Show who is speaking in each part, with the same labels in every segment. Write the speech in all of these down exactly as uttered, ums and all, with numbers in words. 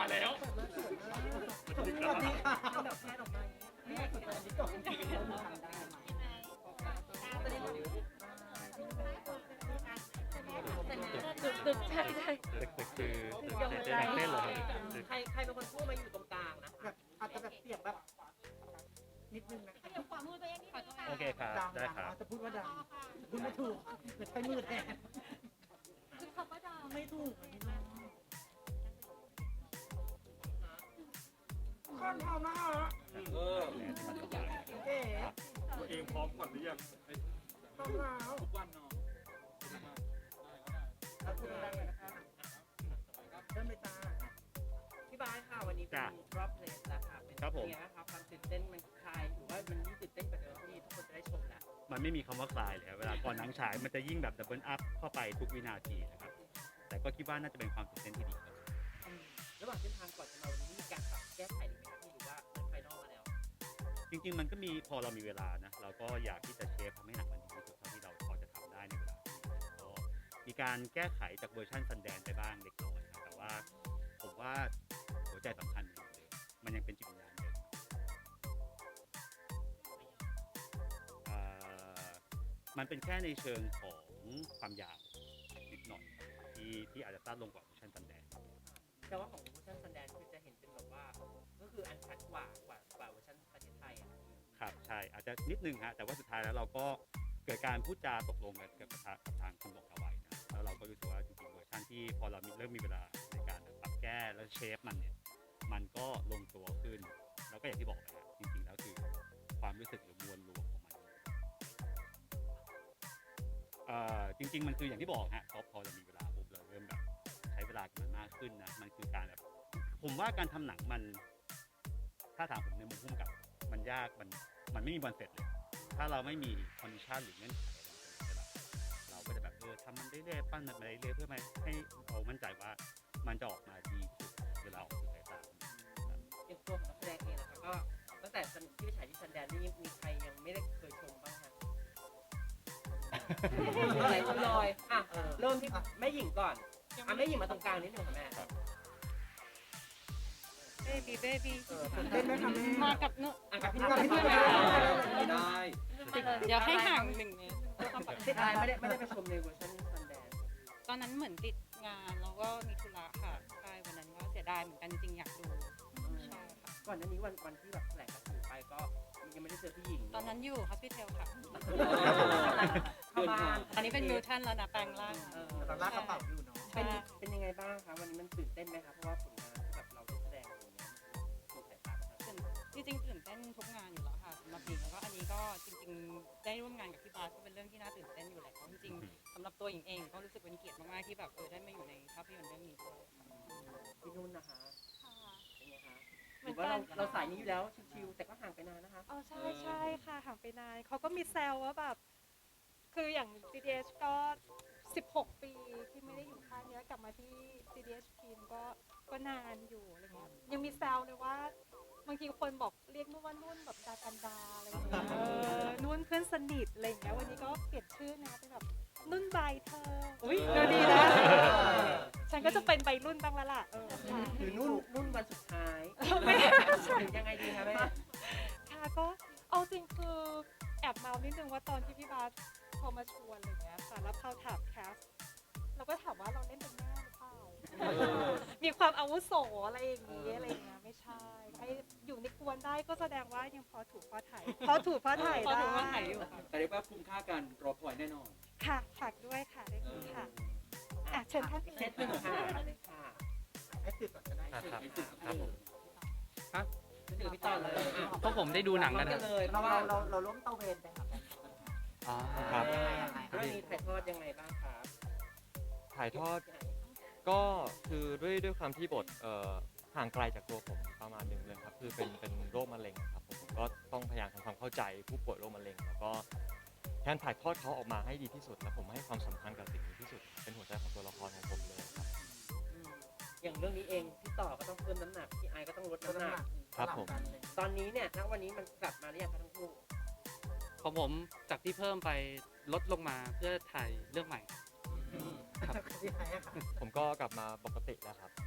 Speaker 1: มาแล้ว
Speaker 2: สวัสดีค่ะ
Speaker 3: แบบแพทย์ออกมาอย่างนี้ไม่ให้กดดันที่ก่อนทำได้ตึกตึกใช่ใช่
Speaker 1: ตึกตึกคือตึกเจเจนักเต้นเหรอครับตึก
Speaker 3: ใครใครเป็นคนพูดมาอยู่ตรงกลางนะ
Speaker 2: แบบอาจจะแบบเสียงแบบนิดนึงนะ
Speaker 4: ขยับขวามือตัวเองนิดนึงค่ะ
Speaker 1: โอเคครับ
Speaker 2: ดัง
Speaker 1: ได้ครับ
Speaker 2: อาจจะพูดว่าดังพูดไม่ถูกหรือใช้มือแทน
Speaker 4: คือคำว่าดาว
Speaker 2: ไม่ถูกอันนี้นะข้อนทำนะฮะ
Speaker 1: เออ
Speaker 2: เอ๋
Speaker 1: ตัวเองพร้อมก่อนหรือยัง
Speaker 2: ต้องแล้ว
Speaker 1: ทุกวันเนาะ
Speaker 2: แล้วพูดดังเลยนะคะเริ่มไปจ้า
Speaker 3: พี่บ้านค่ะวันนี้เป็นรอบเพลสแล้วค่ะเป็นยังไงครับความตื่นเต้นมันคลายหรือว่ามันยิ่งตื่นเต้นกว่าเดิมที่ทุกคนจะได้ชมแล้ว
Speaker 1: มันไม่มีคำว่าคลายเลยครับเวลาก่อนหนังฉายมันจะยิ่งแบบดับเบิลอัพเข้าไปทุกวินาทีนะครับแต่ก็คิดว่าน่าจะเป็นความตื่นเต้นที่ดีครับ
Speaker 3: ระหว่างเส้นทางก่อนจะมาวันนี้มีการปรับแก้ไขหรือไม่ครับพี่หรือว่าเหมือนไฟนอลมาแล้ว
Speaker 1: จริงๆมันก็มีพอเรามีเวลานะเราก็อยากที่จะเชฟทำให้หนังมันดีที่สุดเท่าที่เราพอจะทำได้ในเวลาที่มีก็มีการแก้ไขจากเวอร์ชันซันแดนไปบ้างเล็กน้อยนะแต่ว่าผมว่าหัวใจสำคัญอยู่เลยมันยังเป็นจิตวิญญาณเดิมเอ่อมันเป็นแค่ในเชิงของความยาวนิดหน่อยครับที่ที่อาจจะสั้นลงกว่าเวอร์ชันซันแดน
Speaker 3: แต่ว่าของเวอร์ชันซันแดนคือจะเห็นเป็นแบบว่าก็คืออันชัดกว่ากว่ากว่าเวอร์ชันประเทศไทยอ่ะ
Speaker 1: ครับใช่อาจจะนิดนึงฮะแต่ว่าสุดท้ายแล้วเราก็เกิดการพูดจาตกลงกันกับทางกับทางคุณหลงเอาไว้นะแล้วเราก็รู้สึกว่าจริงๆเวอร์ชันที่พอเรามีเริ่มมีเวลาในการปรับแก้แล้วเชฟมันเนี่ยมันก็ลงตัวขึ้นแล้วก็อย่างที่บอกไปฮะจริงๆแล้วคือความรู้สึกหรือมวลรวมของมันเอ่อจริงๆมันคืออย่างที่บอกฮะพอพอเรามีเวลาปุ๊บเราเริ่มแบบใช้เวลากับมันมากขึ้นนะมันคือการแบบผมว่าการทำหนังมันถ้าถามผมในมุมพุ่มกับมันยากมันมันไม่มีวันเสร็จเลย ถ้าเราไม่มีคอนดิชันหรือเงื่อนไขอะไรเราก็จะแบบเออทำมันเรื่อยๆปั้นมันมาเรื่อยๆเพื่อให้เรามั่นใจว่ามันจะออกมาดีที่สุดเวลาออกสู่สายตา
Speaker 3: อย่างตัวของนักแสดงเองนะคะก็ตั้งแต่ที่ไปฉายที่ซันแดนนี่มีใครยังไม่ได้เคยชมบ้างคะอะไรคุณลอยอ่ะเริ่มที่แม่หญิงก่อนอ่ะแม่หญิงมาตรงกลางนิดนึงค่ะแม่
Speaker 4: เบบี้เบบี้
Speaker 2: ตื่นเต้นไหมคะแม่
Speaker 4: มากับนุ
Speaker 3: อ่ะกับพี่
Speaker 2: กับพี่
Speaker 3: นุ่น
Speaker 2: นุ่น
Speaker 3: ไม่ได้
Speaker 4: เดี๋ยวให้ห่างหนึ่งเมตร
Speaker 3: ติดอะไรไม่ได้ไม่ได้ไปชมในเวอร์ชันซันแดน
Speaker 4: ตอนนั้นเหมือนติดงานแล้วก็มีธุระค่ะใช่วันนั้นก็เสียดายเหมือนกันจริงๆอยากดูใช่ค่ะ
Speaker 3: ก่อนหน้านี้วันวันที่แบบแถลงกระสือไปก็ยังไม่ได้เจอพี่หญิง
Speaker 4: ตอนนั้นอยู่ฮอสพิทอลค่ะ
Speaker 3: เข้าบ้าน
Speaker 4: อันนี้เป็นมิวทันแล้วนะแปลงร่าง
Speaker 3: เออ
Speaker 2: ตอนลากกระเป๋าอยู่เนาะ
Speaker 3: เป็นเป็นยังไงบ้างคะวันนี้มันตื่นเต้นไหมคะเพราะว่าผลงานที่แบบเราได้แสดงอย่างเงี้ยถูกสายตาประชาชน
Speaker 4: จริงๆตื่นเต้นทุกงานอยู่แล้วค่ะสำหรับหญิงแล้วก็อันนี้ก็จริงๆได้ร่วมงานกับพี่บาสก็เป็นเรื่องที่น่าตื่นเต้นอยู่แล้วจริงๆสำหรับตัวหญิงเองก็รู้สึกเป็นเกียรติมากๆที่แบบเออได้มาอยู่ในภาพยนตร์เรื่องนี้ด้วยค่ะ
Speaker 3: พี่นุ่นนะคะ
Speaker 5: ค่ะ
Speaker 3: เป็นไงคะ
Speaker 5: เห
Speaker 3: ห
Speaker 5: มื
Speaker 3: รือ อน ว่า
Speaker 5: กั
Speaker 3: เรา
Speaker 5: น
Speaker 3: เราสายนี้อยู่แล้วชิวๆแต่ก็ห่างไปนานนะคะ
Speaker 5: อ๋อใช่ใช่ค่ะห่างไปนานเขาก็มีแซวว่าแบบ คืออย่าง ซี ดี เอช ก็ สิบหก ปีที่ไม่ได้อยู่ค่ายเนี้ยกลับมาที่ ซี ดี เอช ทีมก็ก็นานอยู่อะไรเงี้ยยังมีแซวเลยว่าบางทีคนบอกเรียกนุ่นว่านุ่นแบบดากันดาอะไรอย่างเงี้ยเออนุ่นเพื่อนสนิทอะไรอย่างเงี้ยวันนี้ก็เปลี่ยนชื่อนะเป็นแบบนุ่นใบเธออุ้ยเออดีนะฉันก็จะเป็นใบรุ่นบ้างแล้วล่ะเออค่ะ
Speaker 3: คือนุ่นนุ่นวันสุดท้าย
Speaker 5: ไม่ใช่
Speaker 3: หรือยังไงดีคะแม่
Speaker 5: ค่ะก็เอาจริงคือแอบเมานิดนึงว่าตอนที่พี่บาสโทรมาชวนอะไรเงี้ยค่ะแล้วเขาถามแคสเราก็ถามว่าเราเล่นเป็นแม่หรือเปล่ามีความอาวุโสอะไรอย่างงี้อะไรเงี้ยไม่ใช่ให้อยู่ในกวนได้ก็แสดงว่ายังพอถูกพอถ่ายพอถูกพอถ่าย
Speaker 4: พอ
Speaker 5: ได้
Speaker 4: ถึงว่าถ่ายอยู่ค่ะ
Speaker 6: แต่เรียกว่าคุ้มค่ากันรอคอยแน่นอน
Speaker 5: ค่ะฝากด้วยค่ะได้คุณค่ะอ่ะเชิญท่าน
Speaker 3: เซตหนึ่งค่ะเลยค่ะ
Speaker 2: ให้ติดก่อนก็ได้
Speaker 7: ครับ
Speaker 3: ให้ติด
Speaker 7: ครับผม
Speaker 3: ครับเดี๋ยวพี่ต่อเลยอ่ะ
Speaker 7: พวกผมได้ดูหนังกัน
Speaker 3: พร้อม
Speaker 7: นะ
Speaker 3: เลยเพ
Speaker 2: เรา
Speaker 3: ราะว่า
Speaker 2: เราเราเราร่วมเตาเวนไปค่ะ
Speaker 7: อ๋อครับ
Speaker 3: ยังไงยังไงเรื่องนี้ถ่ายทอดยังไงบ้างครับ
Speaker 8: ถ่ายทอดก็คือด้วยด้วยความที่บทเอ่อห่างไกลจากตัวผมประมาณหนึ่งเลยครับคือเป็นเป็นโรคมะเร็งครับผมผมก็ต้องพยายามทำความเข้าใจผู้ป่วยโรคมะเร็งแล้วก็แทนถ่ายทอดเขาออกมาให้ดีที่สุด แล้วผมให้ความสำคัญกับสิ่งนี้ที่สุด เป็นหัวใจของตัวละครของผมเลยครับ
Speaker 3: อืมอย่างเรื่องนี้เองพี่ต่อก็ต้องเพิ่มน้ำหนักพี่ไอก็ต้องลดน้ำหนัก
Speaker 8: ครับผม
Speaker 3: ตอนนี้เนี่ยณวันนี้มันกลับมาหรือยังคะทั้งคู่
Speaker 7: ของผมจากที่เพิ่มไปลดลงมาเพื่อถ่ายเรื่องใหม่ ครับ
Speaker 8: ผมก็กลับมาปกติแล้วครับ ป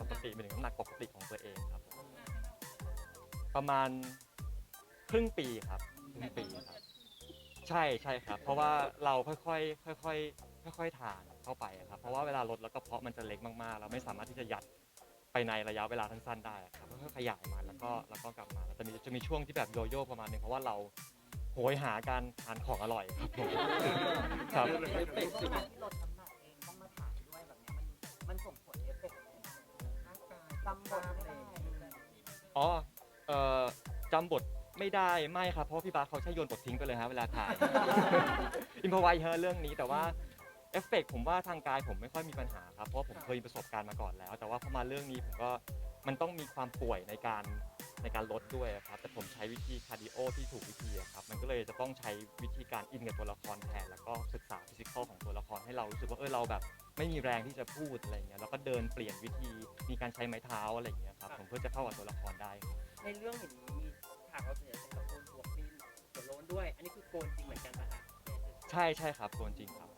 Speaker 8: ปกติเป็นน้ำหนักปกติของตัวเองครับผมประมาณครึ่งปีครับครึ่งปีครับใช่ใช่ครับเพราะว่าเราค่อยๆค่อยๆค่อยๆทานเข้าไปครับเพราะว่าเวลาลดแล้วก็เพาะมันจะเล็กมากๆเราไม่สามารถที่จะยัดไปในระยะเวลาสั้นๆได้ครับค่อยๆขยายมาแล้วก็แล้วก็กลับมาแล้วจะมีจะมีช่วงที่แบบโยโย่ประมาณนึงเพราะว่าเราโหยหาการทานของอร่อยครับผมครับ
Speaker 3: เอฟเฟกต์ขนาดที่ลดน้ำหนักเองต้องมาถ่ายด้วยแบบเนี้ยมันมันส่งผลเอฟเฟกต์ยังไงบ้างร่างกายจำบทไม่ได้
Speaker 8: อ๋อเอ่อจำบทไม่ได้ไม่ครับเพราะพี่บาสเขาใช้โยนบททิ้งไปเลยฮะเวลาถ่าย อินพอไวเฮอเรื่องนี้แต่ว่าเอฟเฟกต์ผมว่าทางกายผมไม่ค่อยมีปัญหาครับเพราะผมเคยมีประสบการณ์มาก่อนแล้ว แต่ว่าพอมาเรื่องนี้ผมก็มันต้องมีความป่วยในการในการลดด้วยครับแต่ผมใช้วิธีคาร์ดิโอที่ถูกวิธีอะครับมันก็เลยจะต้องใช้วิธีการอินกับตัวละครแทนแล้วก็ศึกษาฟิสิกอลของตัวละครให้เรารู้สึกว่าเออเราแบบไม่มีแรงที่จะพูดอะไรเงี้ยแล้วก็เดินเปลี่ยนวิธีมีการใช้ไม้เท้าอะไรเงี้ยครับผมเพื่อจะเข้ากับตัวละครได้ครับ
Speaker 3: ในเรื่องเห็นมีฉากเราเสียเป็นกับโกนหัวปีนหัวโล้นด้วย อันนี้คือโกนจริงเหมือนกันปะคะ
Speaker 8: ใช่ใช่ครับโกนจริงครับ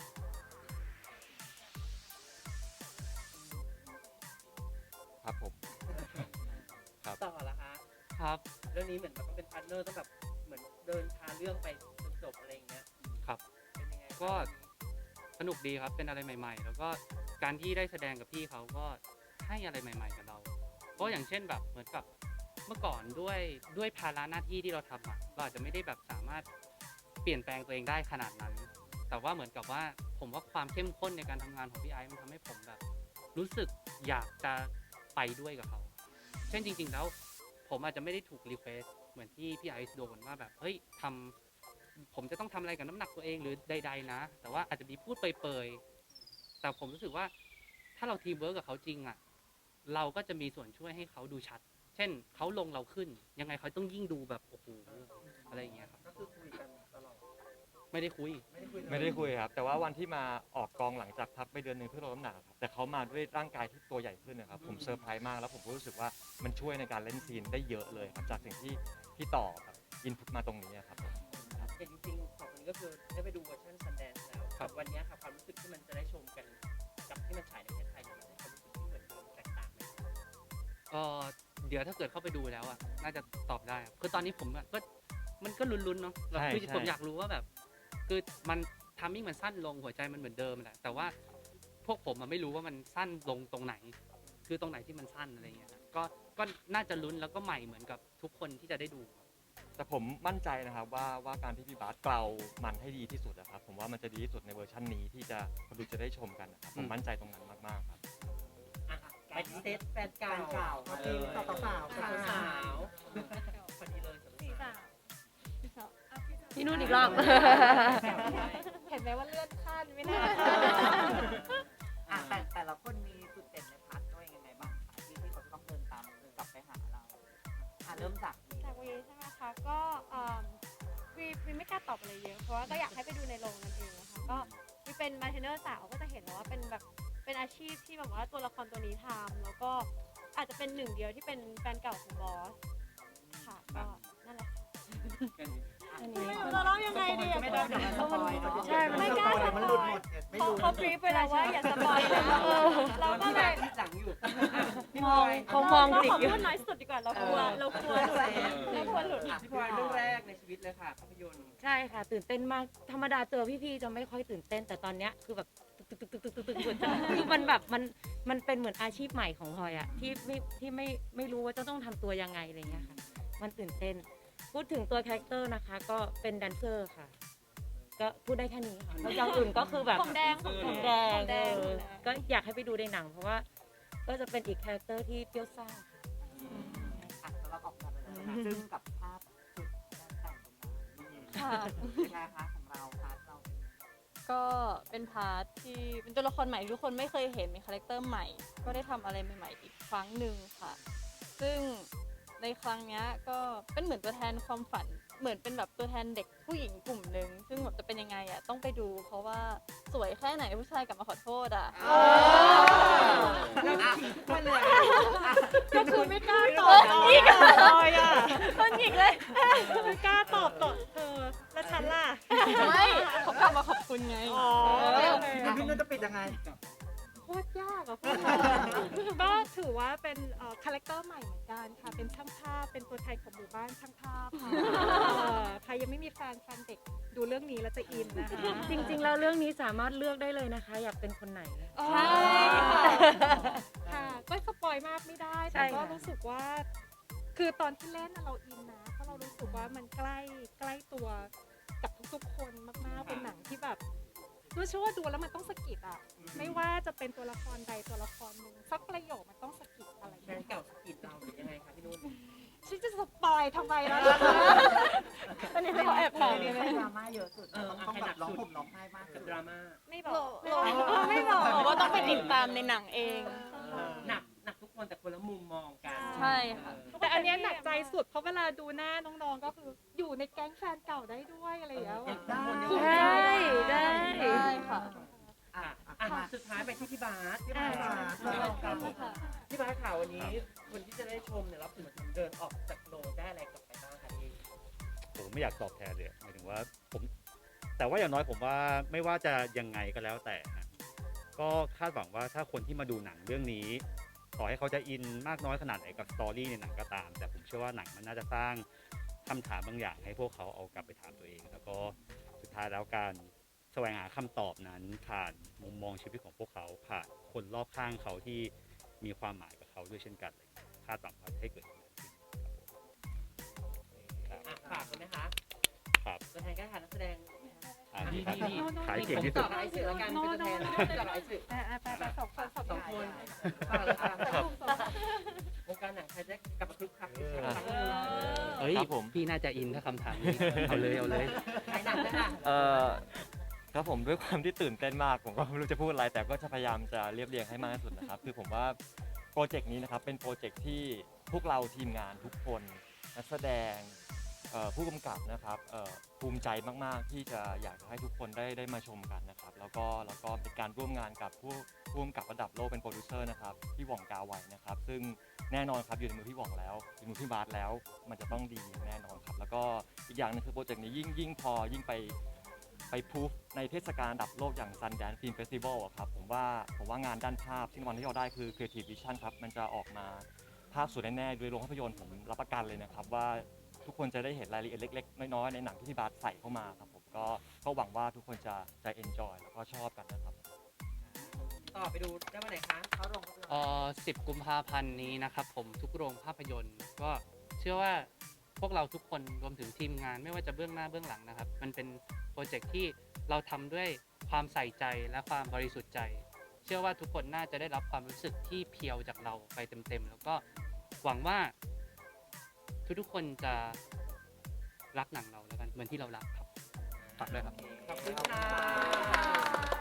Speaker 8: ครับผม ครับ
Speaker 3: ต่อละคะ
Speaker 7: ครับ
Speaker 3: เรื่องนี้เหมือนมันต้องเป็นพาร์ทเนอร์ต้องแบบเหมือนเดินพาเรื่องไปจนจบอะไรอย่างเงี้ย
Speaker 7: ครับ
Speaker 3: เป็นยังไงบ้าง
Speaker 7: ก็สนุกดีครับเป็นอะไรใหม่ๆ แล้วก็การที่ได้แสดงกับพี่เขาก็ให้อะไรใหม่ ๆ กับเรา เพราะอย่างเช่นแบบเหมือนกับเมื่อก่อนด้วยด้วยภาระหน้าที่ที่เราทำอ่ะเราอาจจะไม่ได้แบบสามารถเปลี่ยนแปลงตัวเองได้ขนาดนั้น แต่ว่าเหมือนกับว่าผมว่าความเข้มข้นในการทำงานของพี่ไอซ์มันทำให้ผมแบบ รู้สึกอยากจะไปด้วยกับเขา เช่นจริงๆแล้วผมอาจจะไม่ได้ถูกรีเควสเหมือนที่พี่ไอซ์โดนว่าแบบเฮ้ยทำผมจะต้องทำอะไรกับน้ำหนักตัวเองหรือใดๆนะ แต่ว่าอาจจะมีพูดเปรยๆแต่ผมรู้สึกว่าถ้าเราทีมเวิร์กกับเขาจริงอ่ะเราก็จะมีส่วนช่วยให้เขาดูชัด เช่นเขาลงเราขึ้น ยังไงเขาต้องยิ่งดูแบบโอ้โหอะไรอย่างเงี้ยครับ
Speaker 3: ก็คือคุยกันตลอด
Speaker 7: ไม่ได้คุย
Speaker 3: ไม่ได้คุยเลย
Speaker 8: ไม่ได้คุยครับแต่ว่าวันที่มาออกกองหลังจากพักไปเดือนหนึ่งเพื่อลดน้ำหนักครับแต่เขามาด้วยร่างกายที่ตัวใหญ่ขึ้นนะครับผมเซอร์ไพรส์มากแล้วผมก็รู้สึกว่ามันช่วยในการเล่นซีนได้เยอะเลยครับจากสิ่งที่ที่ต่อแบบอินพุตมาตรงนี้ครับผม
Speaker 3: เห็นจริงๆสองคนนี้ก็คือได้ไปดูเวอร์ชันซันแดนซ์แล้ว
Speaker 7: ครับ
Speaker 3: วันนี้ค่ะความรู้สึกที่มันจะได้ชมกันกับที่มันฉายในประเทศไทยเนี่ยมันได้ความรู้สึกที่เหมือนเดิมแตกต่างไหม
Speaker 7: เออเดี๋ยวถ้าเกิดเข้าไปดูแล้วอ่ะน่าจะตอบได้ครับคือตอนนี้ผมอะก็มันก็ลุ้นๆเนาะแบบคือผมอยากรู้ว่าแบบ คือมันทามมิ่งมันสั้นลงหัวใจมันเหมือนเดิมแหละแต่ว่าพวกผมมันไม่รู้ว่ามันสั้นลงตรงไหน คือตรงไหนที่มันสั้นอะไรเงี้ยครับก็ก็น่าจะลุ้นแล้วก็ใหม่เหมือนกับทุกคนที่จะได้ดูครับ
Speaker 8: แต่ผมมั่นใจนะครับว่าว่าการที่พี่บาสเกลามันให้ดีที่สุดนะครับผมว่ามันจะดีที่สุดในเวอร์ชันนี้ที่จะคนดูจะได้ชมกันนะครับผมมั่นใจตรงนั้นมากๆครับ
Speaker 3: ไปเซตแฟนเก่าเก่ามาเลยสาวสาวสาวสาวพอดีเลย
Speaker 5: สี่สาวสี่สาวอ่ะพี่สาว
Speaker 4: พี่นุ่นอีกรอบ
Speaker 5: เห็นไหมว่าเลื่อนขั้นไม่น่า
Speaker 2: อ่ะแต่แต่ละคนมีจุดเด่นในพาร์ทตัวเองยังไงบ้างคะที่ที่เขาจะต้องเดินตามเดินกลับไปหาเราอ่ะเริ่มจากนี้
Speaker 5: จากวีใช่ไหมคะก็เอิ่มวีวีไม่กล้าตอบอะไรเยอะเพราะว่าก็อยากให้ไปดูในโรงนั่นเองนะคะก็วีเป็นมาร์เทนเนอร์สาวก็จะเห็นแล้วว่าเป็นแบบเป็นอาชีพที่แบบว่าตัวละครตัวนี้ทำแล้วก็อาจจะเป็นหนึ่งเดียวที่เป็นแฟนเก่าของบอสค่ะก็นั่นแหละค่ะอันนี้เราร้องยังไงดีอะ
Speaker 2: ไม่ได้เดี๋ยวมันสปอยเนอะ
Speaker 5: ใช่ไม่กล้าสป
Speaker 2: มัน
Speaker 5: อ
Speaker 2: หลุด
Speaker 5: ย
Speaker 2: หมดเนี่ยไม่
Speaker 5: เขา
Speaker 2: รู้
Speaker 5: เขาบรีฟไปแล้วว่าอย่าสปอยเลยเราเราก็
Speaker 3: ที่
Speaker 5: เล
Speaker 3: แร
Speaker 5: ย
Speaker 3: กที่หลังอยู่
Speaker 5: มอง
Speaker 4: เขามอง
Speaker 5: เรา
Speaker 4: จิก
Speaker 5: ขอ
Speaker 4: อยู่
Speaker 5: พูดน้อยสุดดีกว่าเรากลัวเรากลัวหลุดเรากลัวหลุด
Speaker 3: พี่พลอยเรื่องแรกในชีวิตเลยค่ะภาพยนตร์
Speaker 9: ใช่ค่ะ ตื่นเต้นมากธรรมดาเจอพี่ๆจะไม่ค่อยตื่นเต้น แต่ตอนเนี้ยคือแบบตึกตึกตึกตึกตึกตึกตึกคือมันแบบมันมันเป็นเหมือนอาชีพใหม่ของพลอยอะที่ไม่ที่ไม่ไม่รู้ว่าจะต้องทำตัวยังไงอะไรเงี้ยค่ะ มันตื่นเต้น พูดถึงตัวคาแรคเตอร์นะคะ ก็เป็นแดนเซอร์ค่ะ ก็พูดได้แค่นี้ค่ะแล้วอย่างอื่นก็คือแบบ
Speaker 5: ผมแดงผม
Speaker 9: ผม
Speaker 5: แด
Speaker 9: แด
Speaker 5: ง
Speaker 9: ง
Speaker 5: ผมแดง
Speaker 9: เออก็อยากให้ไปดูในหนัง เพราะว่าก็จะเป็นอีกคาแรคเตอร์ที่เปรี้ยวซ่าค่ะ
Speaker 2: อ่ะแล้วเราออกมาไปแล้วนะซึ่งกับภาพจุดการแต่งตรงนั้น
Speaker 5: ค่ะ
Speaker 2: เป็นไงคะของเราพาร์ทเราเป็นไง
Speaker 10: ก็เป็นพาร์ทที่เป็นตัวละครใหม่ที่ทุกคนไม่เคยเห็นเป็นคาแรคเตอร์ใหม่ ก็ได้ทำอะไรใหม่ๆอีกครั้งหนึ่งค่ะ ซึ่งในครั้งเนี้ยก็เป็นเหมือนตัวแทนความฝันเหมือนเป็นแบบตัวแทนเด็กผู้หญิงกลุ่มหนึ่งซึ่งแบบจะเป็นยังไงอ่ะต้องไปดูเพราะว่าสวยแค่ไหนผู้ชายกลับมาขอโทษอ่ะ
Speaker 2: มันเลย
Speaker 5: ก็คือไม่กล้าตอบ
Speaker 9: อีกเลยอ่ะ
Speaker 10: คนหยิกเลย
Speaker 5: ไม่กล้าตอบตอบเธอแล้วฉันล่ะ
Speaker 10: ไม่เขากลับมาขอบคุณไง
Speaker 5: อ๋อ
Speaker 2: อ่ะพี่นุ่นจะปิดยังไง
Speaker 10: โห
Speaker 5: ตรยากอะพวกเราก็ถือว่าเป็นคาแรคเตอร์ใหม่เหมือนกันค่ะเป็นช่างภาพเป็นตัวแทนของหมู่บ้านช่างภาพค่ะเอ่อใครยังไม่มีแฟนแฟนเด็กดูเรื่องนี้แล้วจะอินนะคะ
Speaker 9: จริง ๆ แล้วเรื่องนี้สามารถเลือกได้เลยนะคะ อยากเป็นคนไหน
Speaker 5: ใช่ค่ะค่ะก็สปอยมากไม่ได้
Speaker 9: ใช่
Speaker 5: แต่ก็
Speaker 9: ค่ะ
Speaker 5: รู้สึกว่า คือตอนที่เล่นน่ะเราอินนะเพราะเรารู้สึกว่ามันใกล้ใกล้ตัวกับทุกๆคนมากๆเป็นหนังที่แบบรู้เชื่อว่าดูแล้วมันต้องสะกิดอ่ะไม่ว่าจะเป็นตัวละครใดตัวละครหนึ่งสักประโยคมันต้องสะกิดอะไรอย่าง
Speaker 3: แฟน
Speaker 5: เงี้ย
Speaker 3: เก่าสกิดเราหรือยังไงคะพี่นุ่น
Speaker 5: ฉันจะสปอยทำไมล่ะ
Speaker 10: อันนี้เขาแอบถาม
Speaker 2: เรื่
Speaker 10: เล
Speaker 2: อย ง
Speaker 10: ไหม
Speaker 2: ดราม่าเยอะสุดต้องต้องแบบร้องห่มร้องไห้มาก
Speaker 3: กับดราม่า
Speaker 5: ไม่บอ
Speaker 10: โล
Speaker 5: ก
Speaker 10: โลไม่บอกว่าต้องไปติดตามในหนังเอง
Speaker 3: หนักหนักทุกคนแต่คนละมุมมองกัน
Speaker 10: ใช่ค่ะ
Speaker 5: แต่อันเนี้ยหนักใจสุดเพราะเวลาดูหน้าน้องๆก็คืออยู่ในแก๊งแฟนเก่าได้ด้วยอะไรอย่างเงี้ย
Speaker 2: ได้
Speaker 9: ใช่ได้
Speaker 10: ได้ค่ะ
Speaker 2: อ่ะ
Speaker 3: อ่ะ
Speaker 2: อ่ะ
Speaker 3: สุดท้ายไปที่พี่บาส
Speaker 2: พี่บาส
Speaker 3: ครับผมพี่บาสข่าววันนี้คนที่จะได้ชมเนี่ยรับถึงมาถึงเดินออกจากโรงได้อะไรกลับไปบ้างคะเอง
Speaker 1: ผมไม่อยากตอบแทนเลยหมายถึงว่าผมแต่ว่าอย่างน้อยผมว่าไม่ว่าจะยังไงก็แล้วแต่นะก็คาดหวังว่าถ้าคนที่มาดูหนังเรื่องนี้ต่อให้เขาจะอินมากน้อยขนาดไหนกับสตอรี่ในหนังก็ตาม แต่ผมเชื่อว่าหนังมันน่าจะสร้างคำถามบางอย่างให้พวกเขาเอากลับไปถามตัวเอง แล้วก็สุดท้ายแล้วการแสวงหาคำตอบนั้นผ่านมุมมองชีวิตของพวกเขาผ่านคนรอบข้างเขาที่มีความหมายกับเขาด้วยเช่นกันเลยคาดหวังว่าจะให้เกิดอย่างนั้นขึ้นครับผม
Speaker 3: อ่ะฝากเลยไหมคะ
Speaker 1: ครับ
Speaker 3: ตัวแทนการถ่ายนักแสดง
Speaker 1: อ่านี่ครับ
Speaker 3: นี่
Speaker 1: ขายเก่งที่
Speaker 3: ต่
Speaker 1: สุ
Speaker 3: อ
Speaker 1: ด
Speaker 3: กับไอซ์สื่อแล้วกันเป็นตัวแทนต่อกับไอซ์สื่อ
Speaker 5: อ่ะๆไปๆสองคนสอง
Speaker 3: สอง
Speaker 5: ค
Speaker 3: คน
Speaker 5: น
Speaker 3: ฝากเลยค่ะวงการหนังไทยจะกลับมาคึกคักอีกครั้งหนึ่ง
Speaker 7: เฮ้ย
Speaker 8: ครับผม
Speaker 7: พี่น่าจะอินถ้าคำถามนี้เอาเลยเอาเลย
Speaker 3: ถ่ายหนังนะคะ
Speaker 8: เอ่อครับผมด้วยความที่ตื่นเต้นมากผมก็ไม่รู้จะพูดอะไร แต่ก็จะพยายามจะเรียบเรียงให้มากที่สุดนะครับ คือผมว่าโปรเจกต์นี้นะครับเป็นโปรเจกต์ที่พวกเราทีมงานทุกคนนักแสดงเอ่อผู้กำกับนะครับเอ่อภูมิใจมากๆที่จะอยากจะให้ทุกคนได้ได้มาชมกันนะครับ แล้วก็แล้วก็เป็นการร่วมงานกับผู้ผู้กำกับระดับโลกเป็นโปรดิวเซอร์นะครับพี่หว่องกาไวนะครับ ซึ่งแน่นอนครับอยู่ในมือพี่หว่องแล้วอยู่ในมือพี่บาสแล้ว มันจะต้องดีแน่นอนครับ แล้วก็อีกอย่างหนึงคือโปรเจกต์นี้ยิ่งยิ่งพอยิ่งไป ไปพูฟในเทศกาลระดับโลกอย่าง Sundance Film Festival อะครับผมว่าผมว่างานด้านภาพที่รางวัลที่เราได้คือ Creative Vision ครับมันจะออกมาภาพสวยแน่ๆโดยโรงภาพยนตร์ผมรับประกันเลยนะครับว่าทุกคนจะได้เห็นรายละเอียดเล็กๆ น้อยๆ ในหนังที่พี่บาสใส่เข้ามาครับผมก็ก็หวังว่าทุกคนจะจะ enjoy แล้วก็ชอบกันนะครับ
Speaker 3: ต่อไปดูได้วันไหนคะ
Speaker 2: เขาลงก็คือ
Speaker 7: เอ่อสิบกุมภาพันธ์นี้นะครับผมทุกโรงภาพยนตร์ก็เชื่อว่าพวกเราทุกคนรวมถึงทีมงานไม่ว่าจะเบื้องหน้าเบื้องหลังนะครับ มันเป็นโปรเจกต์ที่เราทำด้วยความใส่ใจและความบริสุทธิ์ใจ เชื่อว่าทุกคนน่าจะได้รับความรู้สึกที่เพียวจากเราไปเต็มๆ แล้วก็หวังว่าทุกๆคนจะรักหนังเราแล้วกันเหมือนที่เรารักครับฝากด้วยครับ
Speaker 3: ขอบคุณค่ะ